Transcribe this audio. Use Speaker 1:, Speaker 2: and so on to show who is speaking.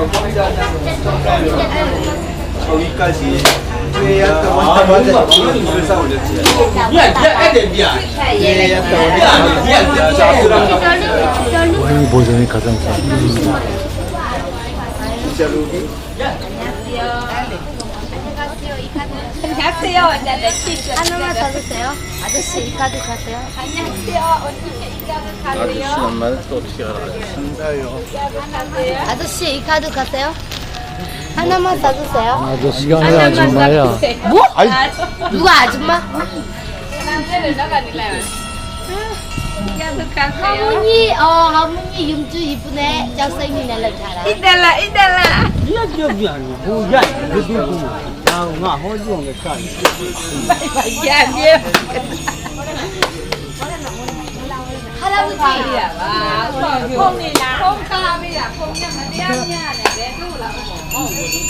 Speaker 1: 저기까지 약간 완전 이걸 쌓아 올렸지.
Speaker 2: 고양이 보존이 가장 잘.
Speaker 3: 안녕하세요.
Speaker 4: 하나만 더 주세요. 아저씨 이 카드 가세요.
Speaker 3: 안녕하세요. 언니 이 카드 가세요.
Speaker 2: 엄마는 또 어떻게 알아요?
Speaker 4: 아저씨 이 카드 가세요. 하나만 사주세요.
Speaker 2: 아저씨가 아니라 아줌마야.
Speaker 4: 뭐? 누가 아줌마?
Speaker 3: 남자를 나가니래요. 이카드 가세요.
Speaker 4: 할머니, 할머니 윤주 이쁘네. 잘생긴 애를 잘하.
Speaker 3: 이달라 이달라. 야
Speaker 4: 할아버지.
Speaker 3: 폼이나 폼카비야 폼냥 마디아냐 내 누라